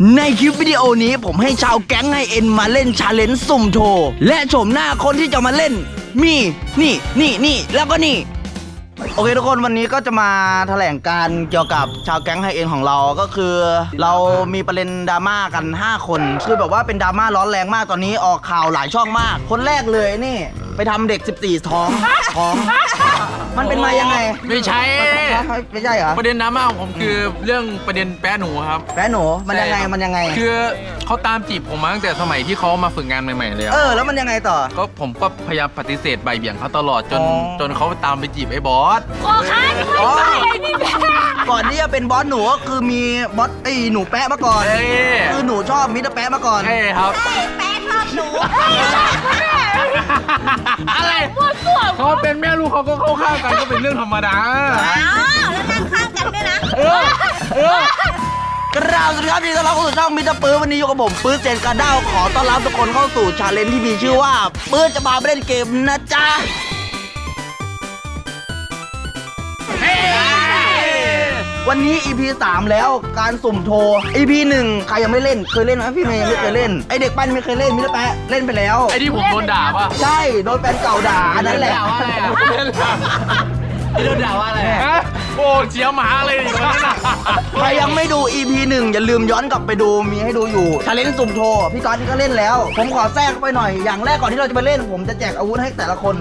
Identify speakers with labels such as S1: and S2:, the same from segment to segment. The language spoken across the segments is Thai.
S1: ในคลิปวิดีโอนี้ผมให้ชาวแก๊งไฮเอ็นมาเล่นชาเลนจ์สุ่มโชว์และโฉมหน้าคนที่จะมาเล่นมีนี่แล้วก็นี่โอเคทุกคนวันนี้ก็จะมาแถลงการเกี่ยวกับชาวแก๊งไฮเอ็นของเราก็คือเรามีประเด็นดราม่ากัน5คนคือแบบว่าเป็นดราม่าร้อนแรงมากตอนนี้ออกข่าวหลายช่องมากคนแรกเลยนี่ไปทำเด็ก14ท้องมันเป็นมายังไง
S2: ไม่ใช่
S1: ไม่ใช่เหรอ
S2: ประเด็นดราม่าของผมคือเรื่องประเด็นแป๊ะหนูครับ
S1: แป๊ะหนูมันยังไง
S2: คือเขาตามจีบผมมาตั้งแต่สมัยที่เขามาฝึกงานใหม่ๆเลย
S1: แล้วมันยังไงต่อ
S2: ก็ผมก็พยายามปฏิเสธใบเบี่ยงเขาตลอดจนเขาตามไปจีบไอ้บอส
S3: โอ้ค่ะนี่
S1: ก่อนที่จะเป็นบอสหนูก็คือมีบอสไอ้หนูแป๊ะมาก่อนคือหนูชอบมิสเตอร์แป๊ะมาก่อน
S2: ใช่ครับ
S3: แป๊ะชอบหนู
S2: อะไรเขาเป็นแม่ลูกเขาก็เข้าข้างกันก็เป็นเรื่องธรรมดา
S3: แล้วนั่งข้างกันด้วยนะ
S1: กราบสวัสดีครับที่ต้อนรับเข้าสู่ช่องมิสเตอร์ปื้ดวันนี้อยู่กับผมปื้ดเจนกระด้าวขอต้อนรับทุกคนเข้าสู่ชาเลนจ์ที่มีชื่อว่าปื้ดจะมาเล่นเกมนะจ๊ะวันนี้ EP 3 แล้วการสุ่มโทร EP 1ใครยังไม่เล่นเคยเล่นไหมพี่เมย์ยังไม่เคยเล่นไอเด็กปั้นไม่เคยเล่นมิสเตอร์แป๊ะเล่นไปแล้ว
S2: ไอที่ผมโดนด่าป่ะ
S1: ใช่โดนแฟนเก่าด่านั่นแหละ
S2: โดนด่าว่าอะไรโอ้เจียวหมาเลยอีกคนนั้น
S1: ใครยังไม่ดู EP 1อย่าลืมย้อนกลับไปดูมีให้ดูอยู่ชาเลนจ์สุ่มโทรพี่ก๊อตนี่ก็เล่นแล้วผมขอแทรกไปหน่อยอย่างแรกก่อนที่เราจะไปเล่นผมจะแจกอาวุธให้แต่ละคน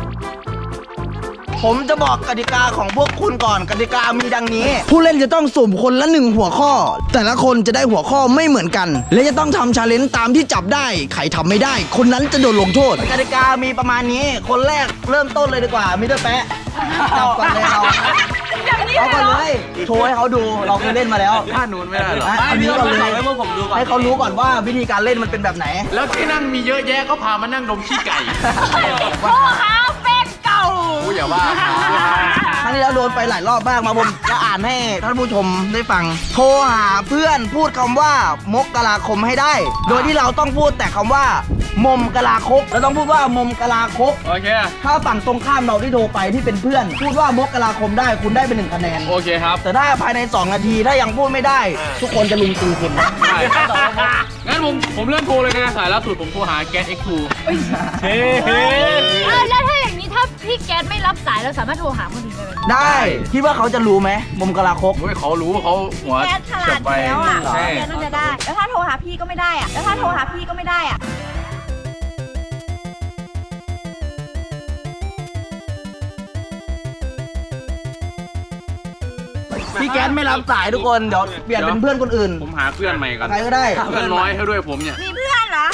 S1: ผมจะบอกกติกาของพวกคุณก่อนกติกามีดังนี้ผู้เล่นจะต้องสุ่มคนละ1หัวข้อแต่ละคนจะได้หัวข้อไม่เหมือนกันและจะต้องทำชาเลนจ์ตามที่จับได้ใครทำไม่ได้คนนั้นจะโดนลงโทษกติกามีประมาณนี้คนแรกเริ่มต้นเลยดีกว่ามิสเตอร์แป๊ะจับก่อนเลยเราเอาก่อนเลยโชว์ให้เขาดูเราเคยเล่นมาแล้ว
S2: ท่านู้นไม่ได้หรอ
S1: อันนี้ก่อนเลยให้เขารู้ก่อนว่าวิธีการเล่นมันเป็นแบบไหน
S2: แล้วที่นั่งมีเยอะแยะก็พามานั่งดมขี้ไก่
S3: พ่อค้าเป็นเก่า
S2: อย่าว่า
S1: ครั้งที่แล้วโดนไปหลายรอบมากมาผมจะอ่านให้ท่านผู้ชมได้ฟังโทรหาเพื่อนพูดคำว่ามกราคมให้ได้โดยที่เราต้องพูดแต่คำว่ามมกราคกเราต้องพูดว่ามมกราคก
S2: โอเค
S1: ถ้าฝั่งตรงข้ามเราที่โทรไปที่เป็นเพื่อนพูดว่ามกราคมได้คุณได้เป็น1คะแนน
S2: โอเคครับ
S1: แต่ถ้าภายใน2นาทีถ้ายังพูดไม่ได้ทุกคนจะลุมตีคุณ
S2: งั้นผมเริ่มโทรเลยนะสายล่าสุดผมโทรหาแก๊ส X2
S3: แล้วถ้าอย่างนี้ถ้าพี่แก๊สไม่รับสายเราสามารถโทรหาคนอื่น
S1: ได้คิดว่าเขาจะรู้ไหมมมกราคก
S2: เขารู้เขาหัว
S3: แก๊สฉลาดแล้วอ่ะแก๊สน่าจะได้แล้วถ้าโทรหาพี่ก็ไม่ได้อ่ะ
S1: พี่แก๊สไม่รับสายทุกคนเดี๋ยวเปลี่ยนเป็นเพื่อนคนอื่น
S2: ผมหาเพื่อนใหม่กัน
S1: ใครก็ได้
S2: เพื่อนน้อยให้ด้วยผมเนี่ย
S3: มีเพื่อนเหรอ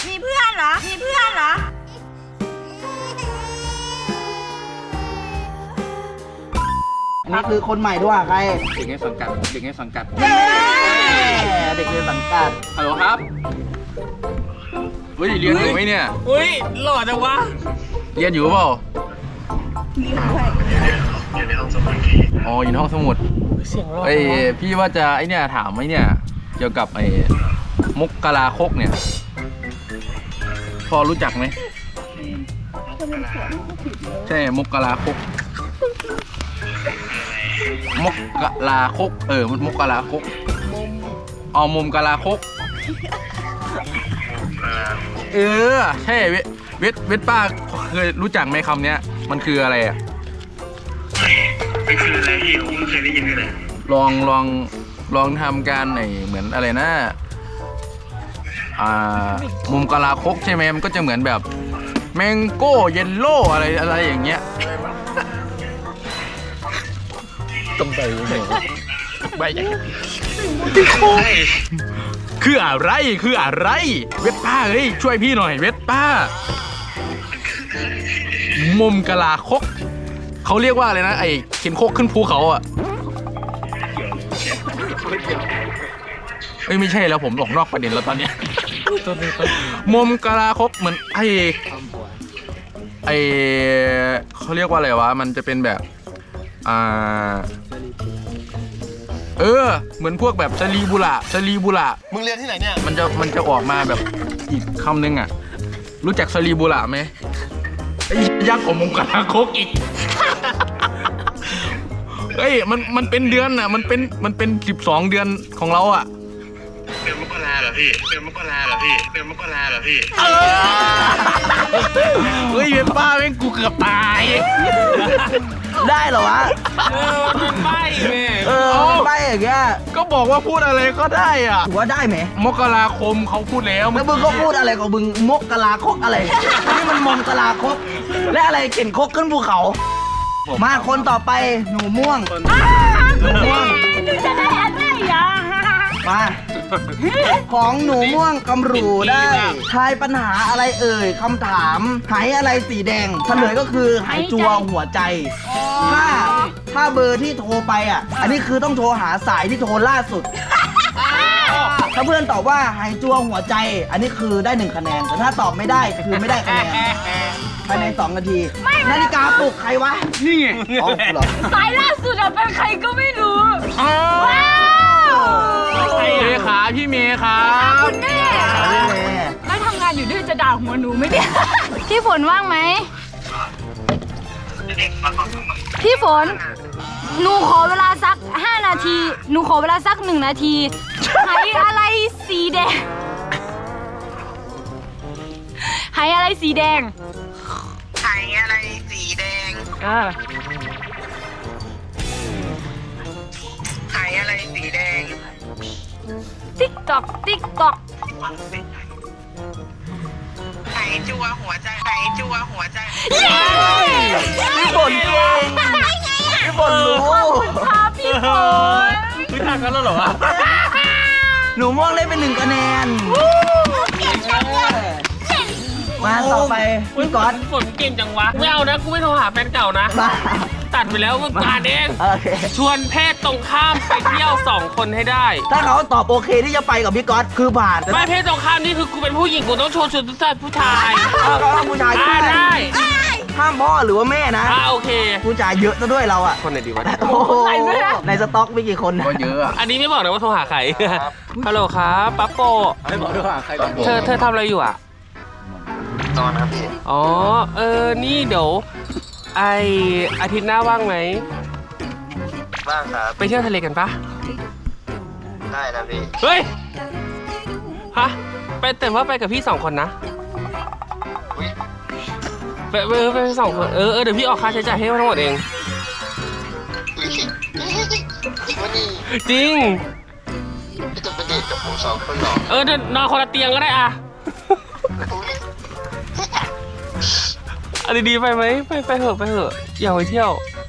S1: นี่คือคนใหม่ด้วยใคร
S2: เด็กในสังกัดเด็กในสังกัดฮัลโหลครับเฮ้ยเรียนอยู่ไหมเนี่ย
S4: เฮ้ยหล่อจังวะ
S2: เรียนอยู่เปล่าอยู่ในห้องสมุดอ๋ออยู่ในห้องสมุด
S4: เสียงหล่อ
S2: พี่ว่าจะไอเนี่ยถามไอเนี่ยเกี่ยวกับไอ้มกราคกเนี่ยพอรู้จักไหมใช่มกราคกมกราคกมันมกราคกมุมกราคกใช่เวทป้าเคยรู้จักไหมคำเนี้ยมันคืออะไรอ่ะ
S5: ไม่คืออะไรพี่ผมไม่เคยได้ยินเลย
S2: ลองทำการเหมือนอะไรนะมุมกราคกใช่ไหมมันก็จะเหมือนแบบแมงโก้เยลโล่อะไรอย่างเงี้ยต้องไปคืออะไรเวทป้าเฮ้ยช่วยพี่หน่อยเวทป้ามุมกราคกเขาเรียกว่าอะไรนะไอ้เข็นโคกขึ้นภูเขาอ่ะไม่ใช่แล้วผมออกนอกประเด็นแล้วตอนเนี้ยมุมกราคกเหมือนไอ้เขาเรียกว่าอะไรวะมันจะเป็นแบบเหมือนพวกแบบชลีบุระ
S4: มึงเรียนที่ไหนเนี่ย
S2: มันจะออกมาแบบอีกคำนึงอ่ะรู้จักชลีบุระไหมไอ้ยักษ์ของมุมกราคกอีก มันเป็นเดือนอ่ะมันเป็น12 เดือนของเราอ่ะ
S5: เดืดือนมกราเหรอพี่เดือนมกราเหรอพี่เดือนมกราเหรอพี่
S2: เฮ้ยเป็นป้าแม่งกูเกือบตาย
S1: ได้เหรอวะ
S4: เป็นใบแม่
S1: ไปอย่างเงี้ย
S2: ก็บอกว่าพูดอะไรก็ได้อ่ะ
S1: ถือว่าได้ไหม
S2: มกราคมเขาพูดแล้ว
S1: แล้วมึงก็พูดอะไรของมึงมกกะลาคกอะไร นี่มันมงกะลาคกและอะไรเข็นคกขึ้นภูเขา มาคนต่อไปหนูม่วงหนูม่วง
S3: จะได้อะไรอ่ะ
S1: มาของหนูม่วงกำรูได้ทายปัญหาอะไรเอ่ยคำถามหายอะไรสีแดงเฉลยก็คือหายจัวหัวใจ ถ้าเบอร์ที่โทรไปอ่ะ อันนี้คือต้องโทรหาสายที่โทรล่าสุด ถ้าเพื่อนตอบว่าหายจัวหัวใจ อันนี้คือได้1คะแนนแต่ถ้าตอบไม่ได้คือไม่ได้คะแนนภายใน2นาทีนาฬิกาปลุกใครวะ
S2: นี่ไง
S1: อ๋อเหรอ
S3: สายล่าสุดอะเป็นใครก็ไม่รู้
S2: เลขาพี่เมย์ครับ
S3: คุณแม่แล้วทำงานอยู่ด้วยจะด่าหัวหนูไหมเนี่ย พี่ฝนว่างไหม พี่ฝน หนูขอเวลาสัก5นาที หนูขอเวลาสัก1นาทีหายอะไรสีแดงหายอะไรสีแดง
S5: หายอะไรสีแดงหายอะไรสีแดง
S3: ติ๊กตอกติ๊กตอก
S5: หายจัวหัวใจหายจัวหัวใจ
S1: พี่ฝนเก่งพี่ฝนรู้
S3: ค่ะพี่ฝน
S2: รู้จักกันแล้วเหรอวะ
S1: หนูม่วงได้เป็น1คะแนนมาต่อไปพี่ก๊อต
S4: ฝนเก่งจังวะไม่เอานะกูไม่โทรหาแฟนเก่านะ
S1: มา
S4: ตัดไปแล้วเมื่อวานเอง
S1: โอเค
S4: ชวนเพศตรงข้ามไปเที่ยว2 คนให้ได้
S1: ถ้าเขาตอบโอเคที่จะไปกับพี่ก๊อตคือผ่านแต่
S4: ไม่เพศตรงข้ามนี่คือกูเป็นผู้หญิงกูต้องชวนผู้ชาย
S1: ถ้าเขาห้ามผู้ชาย
S4: ได้
S1: ห้ามพ่อหรือว่าแม่นะ
S4: โอเค
S1: ผู้ชายเยอะซะด้วยเราอะ
S4: คนไหนดีวะ
S1: โอ้โหในสต็อกมีกี่คน
S2: ก็เยอะอะ
S4: อันนี้ไม่บอกนะว่าโทรหาใครฮัลโหลครับปั๊บโป
S2: ไม่บอกด้วยว่าใคร
S4: เธอทำอะไรอยู่อ่ะ
S5: นอนครับพี่
S4: อ๋อนี่เดี๋ยวอาทิตย์หน้าว่างไหม
S5: บ้างครับ
S4: ไปเที่ยวทะเลกันปะ
S5: ได้นะพี่
S4: เฮ้ย ฮะ แต่ว่าไปกับพี่2 คนนะ
S5: อุ๊ย
S4: ไป2 คน เดี๋ยวพี่ออกค่าใช้จ่ายให้ทั้งหมดเอง
S5: อุ๊ยจริงวะนี่
S4: จริง
S5: พี่จะไปเดทกับผม2 คนเหรอ
S4: เดี๋ยวนอนคนละเตียงก็ได้อะ
S5: อุ๊ย
S4: เอาดีๆไปไหมไปเถอะอยากไปเที่ยว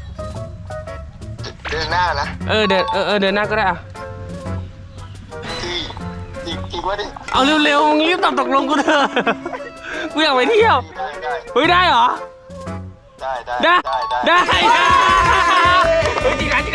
S5: เดือนหน้านะ
S4: เดินหน้าก็ได้อะ
S5: พี่จริงวะนี่
S4: เอาเร็วๆมึงรีบตกลงกูเถอะ กูอยากไปเที่ยว
S5: ได้
S4: เฮ้ยได้เหรอ
S5: ได้
S4: เฮ้ยจริงนะ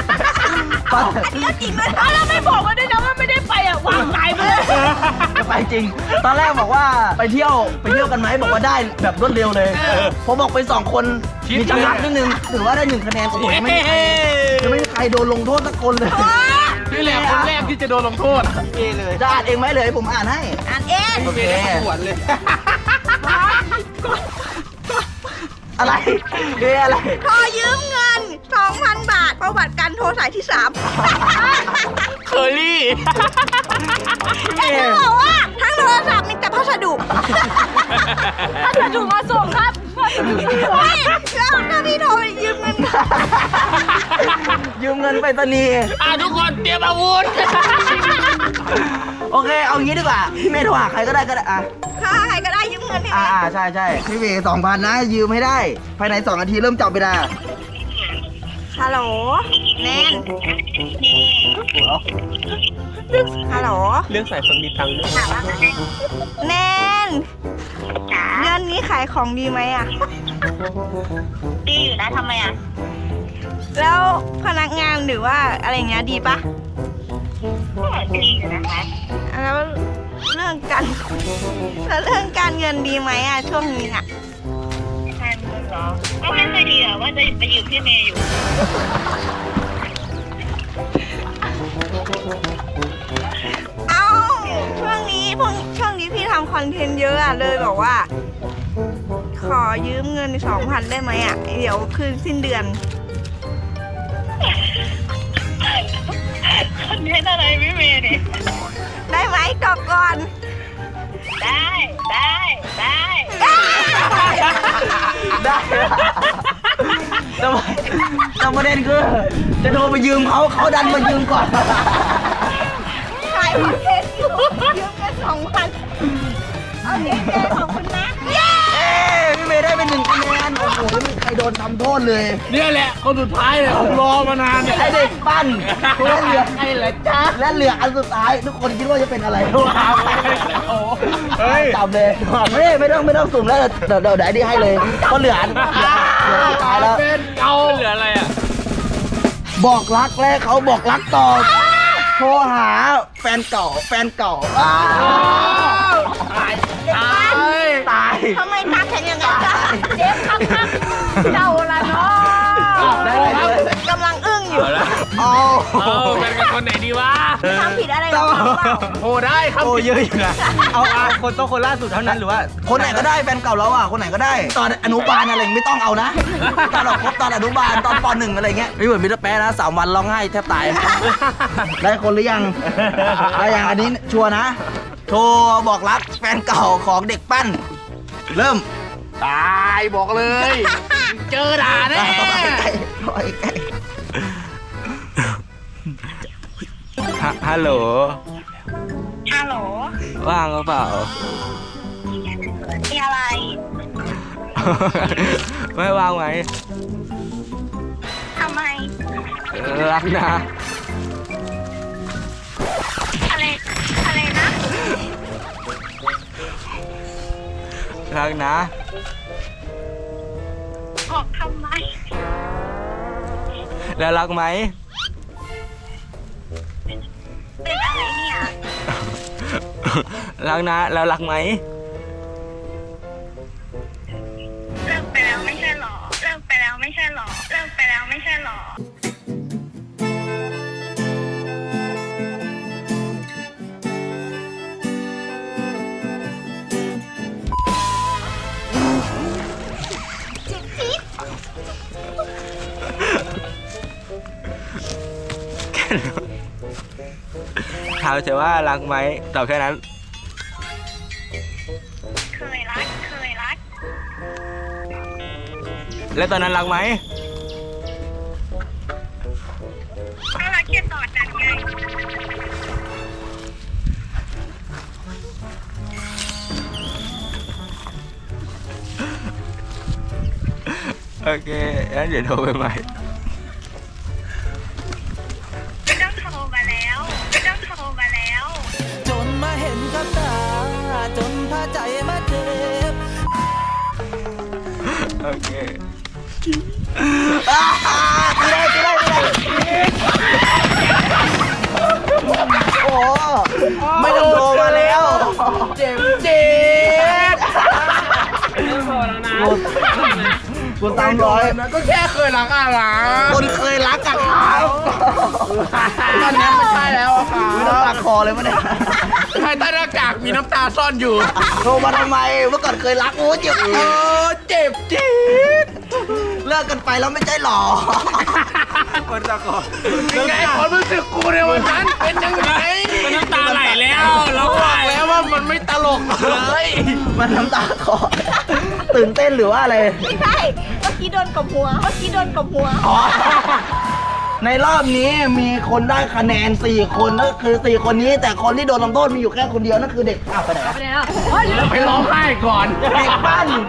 S3: จริงเลยแล้วไม่บอกมาด้วยนะว่าไม่ได้ไปอ่ะวางสายไปเลย
S1: จะไปจริง ตอนแรกบอกว่าไปเที่ยวกันไหมบอกว่าได้แบบรวดเร็วเลยผมบอกไป2 คนมีจำกัดนิดนึงถือว่าได้1คะแนนโอ้โหยังไม่มีใครโดนลงโทษสักคนเลย
S2: นี่แหละคนแรกที่จะโดนลงโทษ
S1: จะอ่านเองไหมเลยผมอ่านให้
S3: อ่านเอง
S1: โอเค
S2: ปวดเลย
S1: อะไรอะไร
S3: ขอยืมเงิน 2,000 บาทประวัติการโทรสายที่ 3
S4: เคอรี่
S3: อยากจะบอกว่าทั้งโทรศัพท์มีแต่พัสดุพัสดุมาส่งครับไม่แล้วถ้าพี่โทรไปยืมเงิน
S1: ยืมเงินไปตนีย์
S4: ทุกคนเตรียมอาวุธ
S1: โอเคเอางี้ดีกว่าพี่เมย์โทรหาใครก็ได้อ่ะ
S3: ถ้าใครก็ได้ยืมเงินใช่ไหม
S1: ใช่พี่เมย์2,000นะยืมให้ได้ ภายใน2 นาทีเริ่มจับเวลา
S3: ฮัลโหลแนนฮัลโหล
S4: เรื่องสายคนมีตังค์ด้วย
S3: แนนเดือนนี้ขายของดีไหมอ่ะ
S6: ดีอยู่นะทำไมอ่ะ
S3: แล้วพนักงานหรือว่าอะไรเงี้ยดีปะ
S6: ก็ดีอยู่นะคะ
S3: แล้วเรื่องการเงินดีไหมอ่ะช่วงนี้อ่ะ
S6: ทานเงินเหรอ ก็ไม่ค่อยดีอ่ะว่าจะไปยืมพี่เมย์อยู่
S3: เอ้าช่วงนี้พี่ทำคอนเทนต์เยอะอ่ะเลยบอกว่า ขอยืมเงิน 2,000 ได้ไหมอ่ะ เดี๋ยวคืนสิ้นเดือน
S6: คอนเทนต์อะไรพี่เมย์เนี่ย
S3: ได้ไหมตอบก่อน
S6: ได้ได้
S1: ได้แต่ประเด็นคือจะโทรไปยืมเขาดันมายืมก่อน
S3: ถ่ายคอนเทนต์อยู่ยืมกัน2,000เอาเจ๊ขอบคุณนะเย้
S1: เอ้ยพี่เมย์ได้เป็น1 คะแนนโอ้โหไม่มีใครโดนทำโทษเลย
S2: เนี่ยแหละคนสุดท้ายเลยผมรอมานานเนี่ย
S1: ไอเด็กปั้นและเหลือไอ้เหรอจ๊ะและเหลืออันสุดท้าย ทุกคนคิดว่าจะเป็นอะไรเฮ้ยจับเลยไม่ต้องสุ่มแล้วเดี๋ยวไอ้นี่ให้เลยเพราะเหลือสุดท้ายแล้ว
S2: เป็นเก่า
S4: เหลืออะไรอ่ะ
S1: บอกรักแล้วเขาบอกรักต่อโทรหาแฟนเก่าอ้าวตาย
S3: ทำไมตาแข็งอย่างนั้นจ๊ะเจ๊ครับเจ้าละเนาะ
S1: ได้เลย
S3: กำลังอึ้งอยู่
S1: เอา
S4: เป็นกับคนไหนดีวะ
S3: ทำผิดอะไรหรอเปล่า
S2: โอ้ได้ครับ
S1: โอ้เยอะอยู่นะเอาคนต้องคนล่าสุดเท่านั้นหรือว่าคนไหนก็ได้แฟนเก่าแล้วอ่ะคนไหนก็ได้ตอนอนุบาลอะไรไม่ต้องเอานะตอนเราคบตอนอนุบาลตอนป .1 อะไรเงี้ยไม่เหมือนมิสเตอร์แป๊ะนะ3 วันร้องไห้แทบตายได้คนหรือยังได้ยังอันนี้ชัวร์นะโทรบอกรักแฟนเก่าของเด็กปั้นเริ่ม
S2: ตายบอกเลย เจอด่าแน่
S4: ฮัลโหล
S6: ฮัลโหล
S4: ว่างหรือเปล่า
S6: มีอะไร
S4: ไม่ว่างไหม
S6: ทำไม
S4: รักนะ
S6: อะไรนะ
S4: รักนะ
S6: บอกทำไม
S4: แล้วรักไหม
S6: เป็นอะไรเนี่ย
S4: รักนะ แล้วรักไหม
S6: เลิกไปแล้วไม่ใช่หรอ เลิกไปแล้วไม่ใช่หรอ เลิกไปแล้วไม่ใช่หรอ
S4: ถามเฉยว่ารักไหมตอบแค่นั้น
S6: เคยรัก
S4: แล้วตอนนั้นรักไหม
S6: ก็รักแค่ตอนนั้นไง
S4: โอเคงั้นเดี๋ยวโทรไปใหม่
S6: ไม่ต้องโทรมาแล้วไม่ต้องโทรมาแล้ว
S7: จนมาเห็นกับตา จนพาใจมาเจ็บ
S4: โอเค
S1: โอ้ไม่ต้องโทรมาแล้วเจ็บกู300
S2: ก็แค่เคยรักอะไร
S1: คนเคยรักกันครับ
S2: ตอนนี้ไม่ใช่แล้วอะค่ะ
S1: ไม่ต้องตักคอเลยมั้ยเนี่ย
S2: ภายใต้หน้ากากมีน้ำตาซ่อนอยู่
S1: โทรมาทำไมเมื่อก่อนเคยรักโอ้เจ็บ
S2: เจ็บจี๊ด
S1: เลิกกันไปแล้วไม่ใช่หรอ
S4: คนตะกอน
S2: ยังไงความรู้สึกกูในวันนั้นเป็นยังไง
S4: มันน้ำตาไหลแล้วเรา
S2: บอกแล้วว่ามันไม่ตลกเลย
S1: มันน้ำตาคอตื่นเต้นหรือว่าอะไร
S3: ไม่ใช่เมื่อกี้โดนกบหัว
S1: ในรอบนี้มีคนได้คะแนน4 คนนั่นคือ4 คนนี้ แต่คนที่โดนลงโทษมีอยู่แค่คนเดียวนั่นคือเด็กอ้าวไปไหนวะ
S2: ไปร้องไห้ก่อน
S1: เด็กปั้น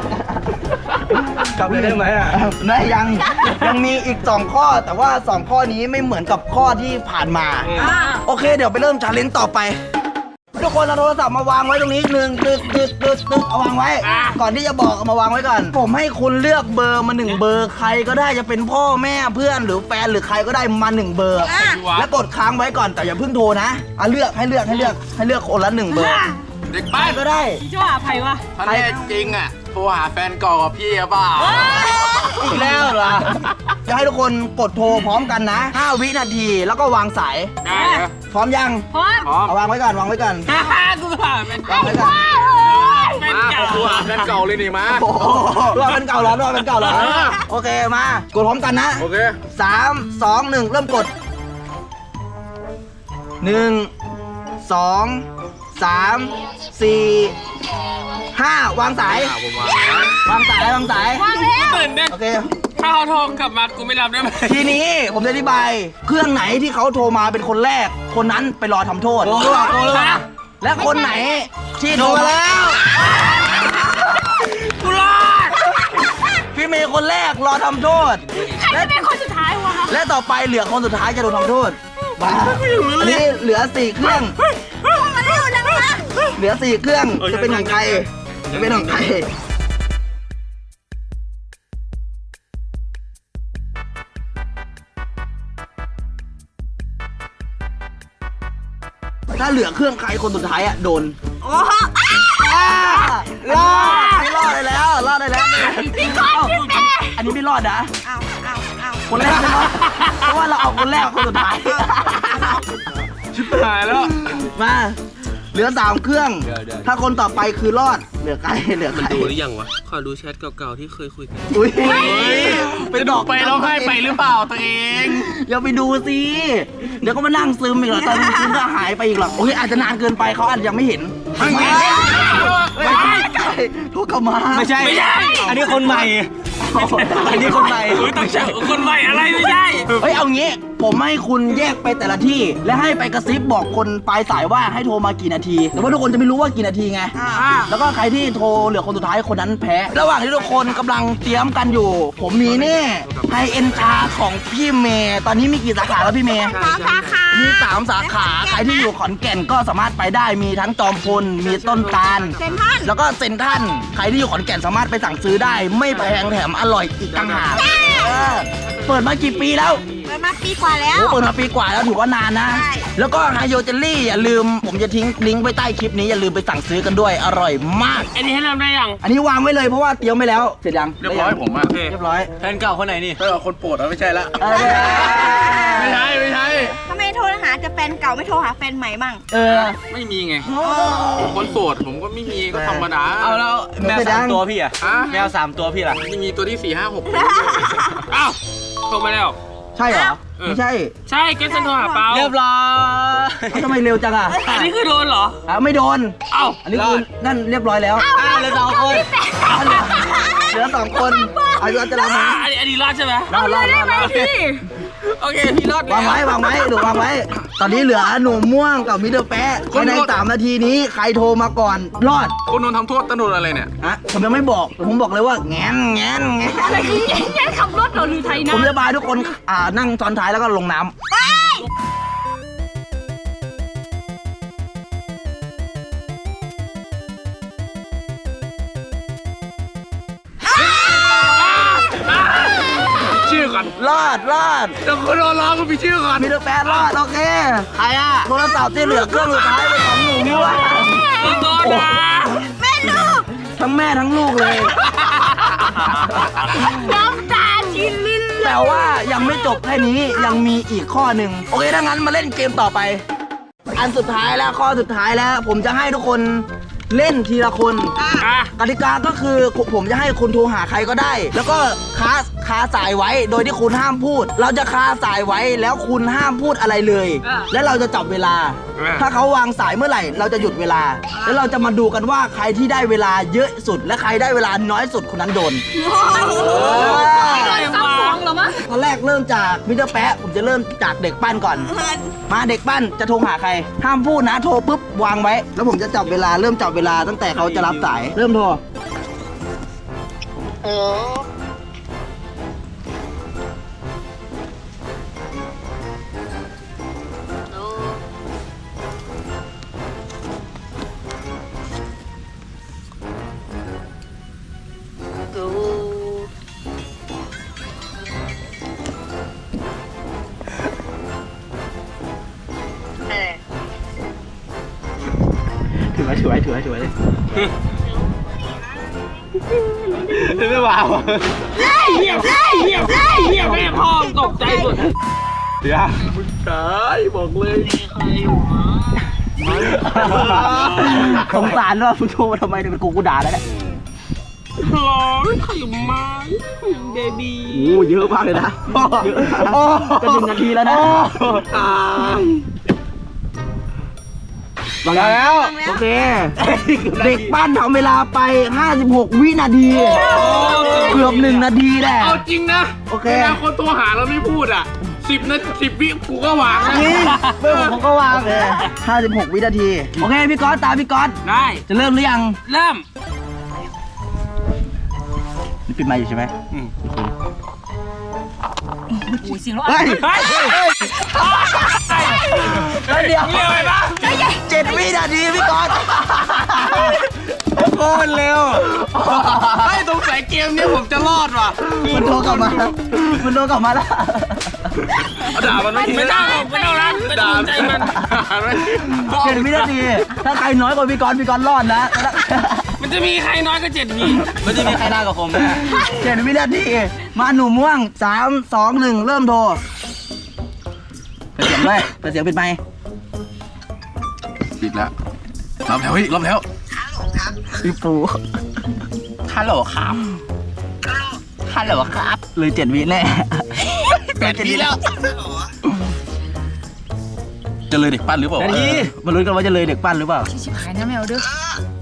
S4: กลับไปได้ไหมอ่ะ
S1: นะยังมีอีก2 ข้อ แต่ว่า2 ข้อนี้ไม่เหมือนกับข้อที่ผ่านมา โอเค เดี๋ยวไปเริ่มชาเลนจ์ต่อไป ทุกคนเอาโทรศัพท์มาวางไว้ตรงนี้ตึกเอาวางไว้ ก่อนที่จะบอกเอามาวางไว้ก่อน ผมให้คุณเลือกเบอร์มา1 เบอร์ใครก็ได้จะเป็นพ่อแม่เพื่อนหรือแฟนหรือใครก็ได้มา1 เบอร์ แล้วกดค้างไว้ก่อนแต่อย่าเพิ่งโทรนะเลือกให้เลือกคนละ1 เบอร์
S2: เด็ก
S1: ใคร
S2: บ้าน
S1: ก็ได้
S2: ถ้าแน่จริงอ่ะโทรหาแฟนเก่ากับพี่อะเปล่า
S1: อีกแล้วเหรอ จะให้ทุกคนกดโทรพร้อมกันนะ5 วินาทีแล้วก็วางสาย
S2: ได้นะ
S1: พร้อมยัง
S4: พร้อม
S1: เอาวางไว้ก่อนวางไว้ก่อน
S4: กูผ่านเป็น
S1: วางไว้ก่อน
S2: มาโทรหาแฟนเก่าเลยนี่มา
S1: โอ้โหรอเป็นเก่าเหรอโอเคมากดพร้อมกันนะ
S2: โอเค
S1: 3 2 1 เริ่มกด 1 2 3 4 5วางสาย
S2: ผมวาง
S1: วางสายวางสาย
S4: ตื่นเต้น
S1: โอเค
S4: ถ้าเขาโทรกลับมากูไม่รับได้ไหม
S1: ทีนี้ผมจะอธิบาย เครื่องไหนที่เขาโทรมาเป็นคนแรก คนนั้นไปรอทำโทษ และคนไหนที่โทรมาแล้ว
S4: กูรอด
S1: พี่เมย์คนแรกรอทำโทษและเป็นคนสุดท้ายวะและต่อไปเหลือคนสุดท้ายจะโดนทำโทษมาอันนี้เหลือ4เครื่องเหลือ4เครื่องจะเป็นของใครจะเป็นของใครถ้าเหลือเครื่องใครคนสุดท้ายอะโดน
S3: โอ้โห
S1: รอดไม่รอดได้แล้วรอดได้แล้วอันนี้ไม่รอดนะ
S3: เอาเอา
S1: คนแรกไม่รอดเพราะว่าเราเอาคนแรกคนสุดท้าย
S2: ชิบหายแล้ว
S1: มาเหลือ3เครื่อง ถ้าคนต่อไปคือรอดเหลือใครเหลือใคร
S4: ดูหรือยังวะ ขอดูแชทเก่าๆที่เคยคุยกัน
S1: อุ้ย
S2: จะดอกไปร้องไห้ไปหรือเปล่าตัวเอง
S1: อย่าไปดูสิเดี๋ยวก็มานั่งซึมอีกหรอกตอนซึมก็หายไปอีกหรอกโอเคอาจจะนานเกินไปเขาอาจจะยังไม่เห็นไม่ใช่โทรกลับมาไม่ใช่ อันนี้คนใหม่ อันนี้คนใหม่
S4: ต้องเจอคนใหม่อะไรไม่ใช่
S1: เฮ้ยเอางี้ผมให้คุณแยกไปแต่ละที่ และให้ไปกระซิบบอกคนปลายสายว่าให้โทรมากี่นาทีแต่ว่าทุกคนจะไม่รู้ว่ากี่นาทีไงแล้วก็ใครที่โทรเหลือคนสุดท้ายคนนั้นแพ้ระหว่างที่ทุกคนกำลังเตรียมกันอยู่ ผมมีนี่ไฮเอ็นชาของพี่เมย์ตอนนี้มีกี่สาขาแล้วพี่เมย์
S3: 3 สาขา
S1: มี3 สาขาใครที่อยู่ขอนแก่นก็สามารถไปได้มีทั้งจอมพลมีต้นตาล
S3: เซ็นทรัล
S1: แล้วก็เซ็นทรัลใครที่อยู่ขอนแก่นสามารถไปสั่งซื้อได้ ไม่แพงแถมอร่อยอีกต่างหากเปิดมากี่ปีแล้ว
S3: เปิดมาปีกว่าแล้ว
S1: โอ้เปิดมาปีกว่าแล้วถือว่านานนะ
S3: ใช่
S1: แล้วก็ไฮโยเจลลี่อย่าลืมผมจะทิ้งลิงก์ไว้ใต้คลิปนี้อย่าลืมไปสั่งซื้อกันด้วยอร่อยมาก
S4: อันนี้ให้เริ่มได้ยัง
S1: อันนี้วางไว้เลยเพราะว่าเตรียมไว้แล้วเสร็จยัง
S2: เรียบร้อยผมอะ
S1: เรียบร้อย
S4: แฟนเก่าคนไหนนี่
S2: ถ้าเอาคนโปรดแล้วไม่ใช่ละ
S1: เออ
S2: ไม่ใช่ไม่ใช่
S3: ทำไมโทรหาจะแฟนเก่าไม่โทรหาแฟนใหม่มั่ง
S1: เออ
S2: ไม่มีไงผมคนโสดผมก็ไม่มีก็ธรรมดา
S1: เอาแล้วแมว3 ตัวพี่
S2: อะ
S1: แมว3 ตัวพี่ล่ะ
S2: ไม่มีตัวที่4 5 6
S4: อ้าวโทรมาแล้ว
S1: ใช่เหรอไม่ใช่
S4: ใช่แกสันโทรหาเปา
S1: เรียบร้อยทำไมเร็วจังอ่ะ
S4: อันนี้คือโดนเหรอ
S1: ไม่โดน
S4: เอ้า
S1: อันนี้คือนั่นเรียบร้อยแล้วเหลือ2 คนเหลือ2 คนอายุจะรับไหม
S4: อันนี้รอดใช่ไหม
S1: รอด
S4: โอเค พี่รอด
S1: วางไว้วางไว้หนูวางไว้ ตอนนี้เหลือหนูม่วงกับมิสเตอร์แป๊ะภายใน3 นาทีนี้ใครโทรมาก่อนรอด
S2: คนโดนทำโทษต้องโดนอะไรเนี่ย
S1: ผมยังไม่บอกแต่ผมบอกเลยว่าแงนอะไรคือแงนขับรถเหรอหรือไทยนะผมจะพาทุกคนนั่งซ้อนท้ายแล้วก็ลงน้ำ
S2: ชื่อก่อน
S1: รอด
S2: แต่คนโดนล้อก็มีชื่อก่อน
S1: มิสเตอร์แป๊ะรอดโอเคใครอะโทรศัพท์ที่เหลือเครื่องสุดท้ายเป็นของหนูม่วง
S4: โดนนะ
S1: ทั้งแม่ทั้งลูกเลย
S3: น้ำตาชินลิ้น
S1: แต่ว่ายังไม่จบแค่นี้ยังมีอีกข้อหนึ่งโอเคถ้างั้นมาเล่นเกมต่อไป อันสุดท้ายแล้วข้อสุดท้ายแล้ว ผมจะให้ทุกคนเล่นทีละคน
S4: อ่ะ
S1: กติกาก็คือผมจะให้คุณโทรหาใครก็ได้ แล้วก็คาสายไว้โดยที่คุณห้ามพูด เราจะคาสายไว้แล้วคุณห้ามพูดอะไรเลย และเราจะจับเวลา ถ้าเขาวางสายเมื่อไหร่ เราจะหยุดเวลา แล้วเราจะมาดูกันว่าใครที่ได้เวลาเยอะสุด และใครได้เวลาน้อยสุดคนนั้นโดน
S4: ซับซ้อนเหรอมะ
S1: ตอนแรกเริ่มจากมิสเตอร์แป๊ะผมจะเริ่มจากเด็กปั้นก่อน มาเด็กปั้นจะโทรหาใคร ห้ามพูดนะโทรปุ๊บวางไว้ แล้วผมจะจับเวลาเริ่มจับเวลาตั้งแต่เขาจะรับสายเริ่มโทรถือไว้ไม่ว่า
S4: เหี้ยแม่พ่อตกใจหมด
S1: สงสารว่าคุณโทรมาทำไมเนี่ยเป็นกูด่าแล้วเนี่ย
S4: ร้องไข่ไม้เบบี้
S1: โอ้เยอะมากเลยนะเยอะนะจะ1 นาทีแล้วนะวางแล้วโอเคเด็กปั้นทำเวลาไป56วินาทีเกือบ1นาทีแหละ
S2: เอาจริงนะ
S1: โอเค
S2: เวลาคนโทรหาเราไม่พูดอ่ะ10 วิกูก็วางนะ
S1: จริงเพื่อนผมก็วางเลย56วินาทีโอเคพี่ก๊อตตามพี่ก๊อต
S4: ได้
S1: จะเริ่มหรือยัง
S4: เริ่ม
S1: นี่ปิดไมค์อยู่ใช่ไหม
S8: อุ้ยเสียงรถ
S1: เฮ้ย เดี๋ยว
S2: เร็วไปปะ
S1: 7 วินาทีพี่ก๊อตโคตรเร็ว
S2: ไอ้ตรงสายเกมเนี่ยผมจะรอดว่ะ
S1: มันโทรกลับมาแล้ว
S2: ด่ามันไม่ได้ไม่ต้องรักด่าใจมัน
S1: 7 วินาทีถ้าใครน้อยกว่าพี่ก๊อตรอดนะ
S4: มันจะมีใครน้อยก็7 วิ
S1: มันจะมีใครได้กับผมนะ7 วินาทีมาหนุ่มม่วง3 2 1เริ่มโทรเปิดเสียงด้วยเปิดเสียงปิดไมค์
S2: ปิดแล้วรับแล้วเฮ้ยรับแล้ว
S1: พี่ปู
S2: ฮัลโหลครับฮัลโหลครับ
S1: เลย7 วิแน่
S2: 8 วิแล้วจะเลยเด็กปั้นหรือเปล่า
S1: มาลุ้นกันว่าจะเลยเด็กปั้นหรือเปล่า
S8: ชิบหายนะแมวเด้อ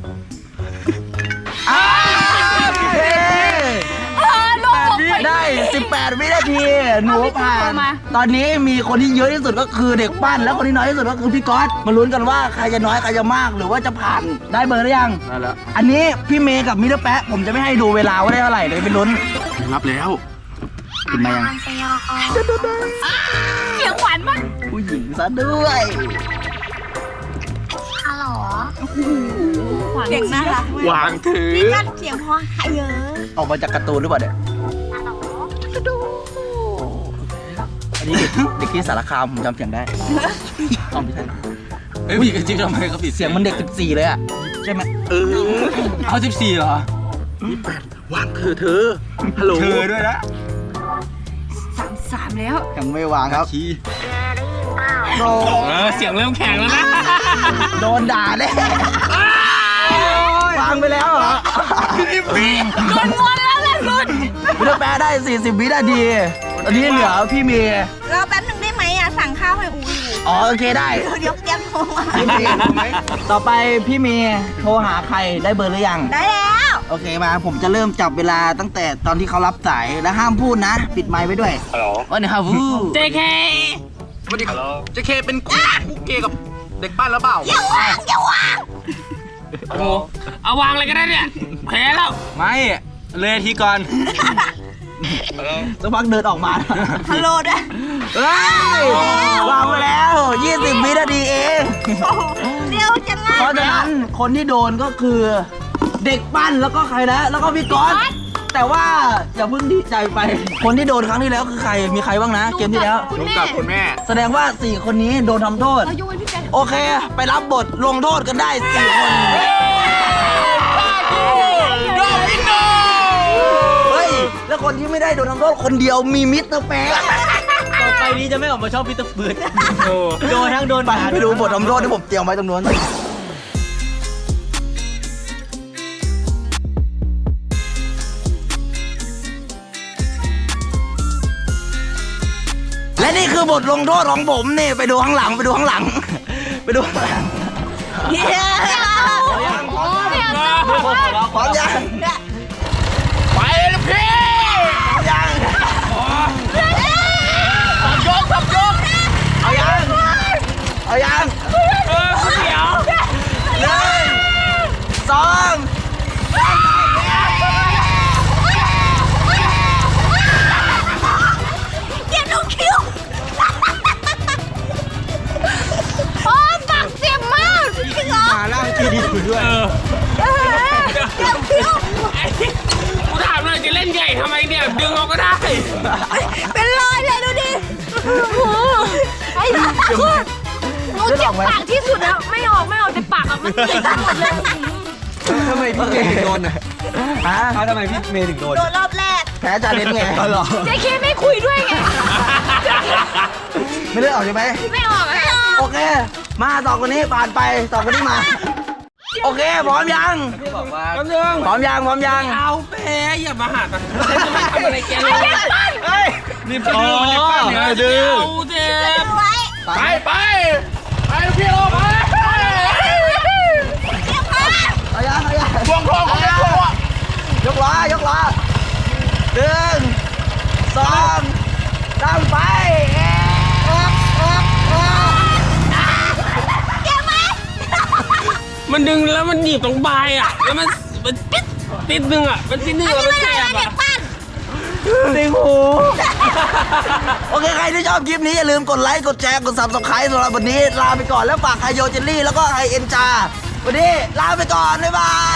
S1: ได้ 18 วินาทีหนูผ่านตอนนี้มีคนที่เยอะที่สุดก็คือเด็กปั้นแล้วคนที่น้อยที่สุดก็คือพี่ก๊อตมาลุ้นกันว่าใครจะน้อยใครจะมากหรือว่าจะผ่านได้เบอร์หรือยัง
S2: ได้แล้ว
S1: อันนี้พี่เมย์กับมิสเตอร์แป๊ะผมจะไม่ให้ดูเวลาว่าได้เท่าไหร่เลยไปลุ้น
S2: รับแล้ว
S1: กินมายัง
S8: เสียงหวานมาก
S1: ผู้หญิงซะด้วย
S6: ฮัลโหล
S8: หวาน
S3: เสียงน่ารักมาก
S2: วางถือ
S3: พี่กัดเสียงพอหายเยอะ
S1: ออกมาจากการ์ตูนหรือเปล่าเนี่ย
S6: ฮัลโหล
S1: อันนี้เด็กที่สารคามผมจำเสียงได้อ๋อไม่ใช่
S2: เฮ้ยผู้หญิงจริงทำไมเขาปิด
S1: เสียงมันเด็ก14เลยอะใช่ไหม
S2: เอา14เหรอวางเธอฮัลโหลเธอด้วยนะ
S8: 3 แล้ว
S1: ยังไม่วางครับ
S2: ชี้
S1: โด
S4: เสียงเริ่มแข็งแล้วนะ
S1: โดนด่าแน่วางไปแล้วเหรอ
S8: โดนงอนแล้วแหละสุด
S1: มิสเตอร์แป๊ะได้ 40 วินาทีตอนนี้เหลือพี่เมย์
S3: รอแป๊บหนึ่งได้ไหมอ่ะ สั่งข้าวให้อูอยู่
S1: อ๋อโอเคได้
S3: เดี๋ยวแก๊ปโทรมา
S1: พี่เมย์ต่อไปพี่เมย์โทรหาใครได้เบอร์หรือยัง
S3: ได้แล้ว
S1: โอเคมาผมจะเริ่มจับเวลาตั้งแต่ตอนที่เขารับสายและห้ามพูดนะ ปิดไมค์ไว้ด้วย
S5: ฮัลโหล
S1: วันนี้ฮาวู
S4: JK
S2: สวัสดีครับเจเคเป็นคู่เกย์กับเด็กปั้นแล้วเปล่า
S4: โอ้โหเอาวางเลยก็ได้เนี่ยแพ้แล้ว
S1: ไม่เลยทีก่อนสักพักเดินออกมา
S3: ฮัลโหลด้วย
S1: เฮ้ยวางไปแล้ว 20 วินาทีเอง
S3: เดี๋ยวจะง่าย
S1: เพราะฉะนั้นคนที่โดนก็คือเด็กปั้นแล้วก็ใครนะแล้วก็พี่ก๊อตแต่ว่าอย่าเพิ่งดีใจไป คนที่โดนครั้งที่แล้วคือใครมีใครบ้างนะ เกมที่แล้ว
S2: ลงกับคุณแม่
S1: แสดงว่า 4 คนนี้โดนทำโทษ
S8: เราโยนพี่แจ๊ค
S1: โอเค ไปรับบทลงโทษกันได้ 4 คน
S2: โดมิโน
S1: เฮ้ย แล้วคนที่ไม่ได้โดนทำโทษคนเดียวมีมิสเตอร์แป๊ะ
S7: ต่อไปนี้จะไม่ออกมาชอบพีเตอร์เบิร์ดโดนทั้งโดน
S1: ไปไปดูบททำโทษที่ผมเตรียมไว้ตรงนู้นและนี่คือบทลงโทษของผมนี่ไปดูข้างหลังไปดูข้างหลัง ไปดูข้างหลัง
S3: เดี๋ยว
S1: พร้อมยัง
S2: ไปเลยพี่
S1: พร้อมยัง
S2: ยกทับยก
S1: เอายังเอายัง
S2: เดี๋ยว
S1: 1 2
S3: เดี๋ยวดูคิว
S8: โอ้ปากเจ็บมาก
S3: จริงเหรอ
S1: มาล่างทีดีอยู่ด้วย
S3: เดี๋ยวคิว
S4: กูถามเลยจะเล่นใหญ่ทำไมเนี่ย ดึงเอาก็ได้
S3: เป็นรอยเลยดูดิ
S8: ไอ้หนูเจ็บปากที่สุดแล้ว ไม่ออกแต่ปากอะมันเจ็บไปหมดเลย
S1: ทำไมพี่เมย์ถึงโดนอ่ะฮะ
S7: ทำไมพี่เมย์ถึงโดน
S3: โดนรอบแรก
S1: แพ้จาเลนไงเหรอ
S8: เจ๊เคไม่คุยด้วยไง
S1: ไม่ได้ออกใช่ไหม
S8: ไม่ออกอะ
S1: โอเค มาสองคนนี้ผ่านไปสองคนนี้มา โอเคพร้อมยัง
S7: บอกว่า
S4: แป๊บนึง
S1: พร้อมยังพร้อมยัง
S4: เอาแพ้อย่ามาหาตังค์ฉันจะไม่ทำอะไรแกเลย
S1: เฮ้ย
S4: นี่ไปดื้อมันจะปั้นเนี่ยดื้อเอาเจ็บ
S3: ไว้
S2: ไปไปไปพี่โลไป
S4: มันดึงแล้วมันหนีบตรงปลายอ่ะแล้วมันติดนึงอ่ะมันติดนึงอ่ะมันแสบอ่ะ
S1: ติงหู โอเค ใครที่ชอบคลิปนี้อย่าลืมกดไลค์ กดแชร์ กด subscribe สำหรับวันนี้ ลาไปก่อนแล้วฝากไฮโยเจลลี่แล้วก็ไฮเอ็นจา วันนี้ลาไปก่อน บ๊ายบาย